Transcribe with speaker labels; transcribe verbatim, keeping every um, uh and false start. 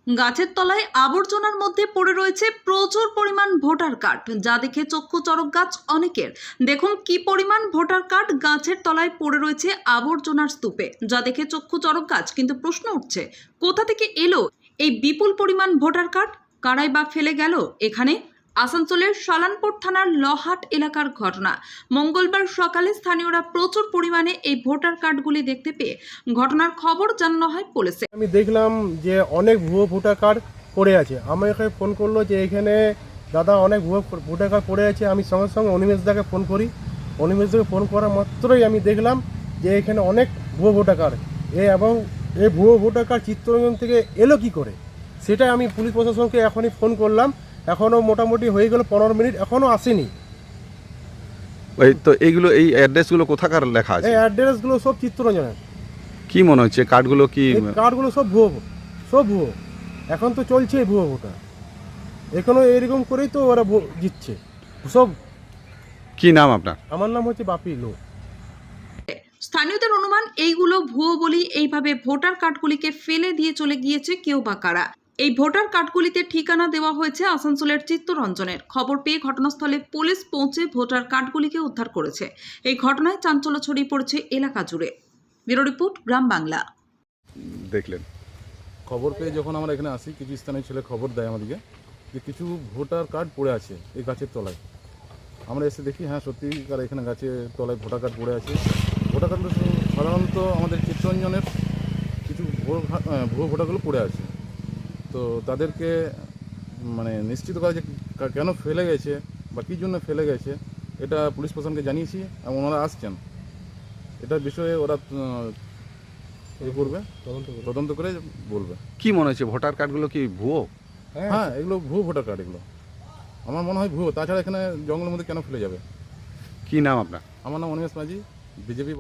Speaker 1: গাছের তলায় আবর্জনার মধ্যে পড়ে রয়েছে প্রচুর পরিমাণ ভোটার কার্ড, যা দেখে চক্ষু চড়ক গাছ অনেকের। দেখুন কি পরিমাণ ভোটার কার্ড গাছের তলায় পড়ে রয়েছে আবর্জনার স্তূপে, যা দেখে চক্ষু চড়ক গাছ। কিন্তু প্রশ্ন উঠছে, কোথা থেকে এলো এই বিপুল পরিমাণ ভোটার কার্ড? কারাই বা ফেলে গেল এখানে? আসানসোলের সালানপুর থানার লহাট এলাকার ঘটনা। মঙ্গলবার সকালে স্থানীয়রা প্রচুর পরিমাণে এই ভোটার কার্ডগুলি দেখতে পেয়ে ঘটনার খবর জানানো হয় পুলিশে।
Speaker 2: আমি দেখলাম যে অনেক ভুয়ো ভোটার কার্ড পড়ে আছে। আমার এখানে ফোন করলো যে এখানে দাদা অনেক ভুয়ো ভোটার কার্ড পড়ে আছে। আমি সঙ্গে সঙ্গে অনিমেষদাকে ফোন করি। অনিমেষদাকে ফোন করা মাত্রই আমি দেখলাম যে এখানে অনেক ভুয়ো ভোটার কার্ড এ এবং এই ভুয়ো ভোটার কার্ড চিত্তরঞ্জন থেকে এলো কি করে, সেটাই আমি পুলিশ প্রশাসনকে এখনই ফোন করলাম। এখনও মোটামুটি হয়ে গেল পনেরো মিনিট, এখনও আসেনি।
Speaker 3: ওই তো এইগুলো, এই অ্যাড্রেসগুলো কোথাকার লেখা আছে?
Speaker 2: এই অ্যাড্রেসগুলো সব চিত্তরঞ্জনের।
Speaker 3: কি মনে হচ্ছে কার্ডগুলো কি?
Speaker 2: এই কার্ডগুলো সব ভুয়ো, সব ভুয়ো। এখন তো চলছে ভুয়ো ভোটার, এখনো এরকম করেই তো ওরা ভো- জিতছে সব।
Speaker 3: কি নাম আপনার?
Speaker 2: আমার নাম হচ্ছে বাপি লো।
Speaker 1: স্থানীয়দের অনুমান, এইগুলো ভুয়ো বলি এইভাবে ভোটার কার্ডগুলিকে ফেলে দিয়ে চলে গিয়েছে কেউ বা কারা। এই ভোটার কার্ডগুলিতে ঠিকানা দেওয়া হয়েছে আসানসোলের চিত্তরঞ্জনের। খবর পেয়ে ঘটনাস্থলে পুলিশ পৌঁছে ভোটার কার্ডগুলিকে উদ্ধার করেছে। এই ঘটনায় চাঞ্চল্য ছড়িয়ে পড়েছে এলাকা জুড়ে। Bureau report, Gram Bangla.
Speaker 3: দেখলেন
Speaker 4: খবর পেয়ে যখন আমরা এখানে আসি, কিছু স্থানীয় ছেলে খবর দেয় আমাদেরকে যে কিছু ভোটার কার্ড পড়ে আছে এই গাছের তলায়। আমরা এসে দেখি, হ্যাঁ সত্যিকার এখানে গাছের তলায় ভোটার কার্ড পড়ে আছে। ভোটার কার্ড সাধারণত আমাদের চিত্তরঞ্জনের কিছু ভুয়ো ভা- আহ, ভুয়ো ভোটারগুলো পড়ে আছে। তো তাদেরকে মানে নিশ্চিত করা যে কা- কেন ফেলে গেছে বা কী জন্য ফেলে গেছে, এটা পুলিশ প্রশাসনকে জানিয়েছি এবং ওনারা আসছেন। এটার বিষয়ে ওরা আহ, এ করবে, তদন্ত করে বলবে।
Speaker 3: কি মনে হচ্ছে ভোটার কার্ডগুলো কি ভুয়ো?
Speaker 4: হ্যাঁ, এগুলো ভুয়ো ভোটার কার্ড। এগুলো আমার মনে হয় ভুয়ো। তাছাড়া এখানে জঙ্গলের মধ্যে কেন ফেলে যাবে?
Speaker 3: কি নাম আপনার?
Speaker 4: আমার নাম অনিমেষ মাঝি, বিজেপি।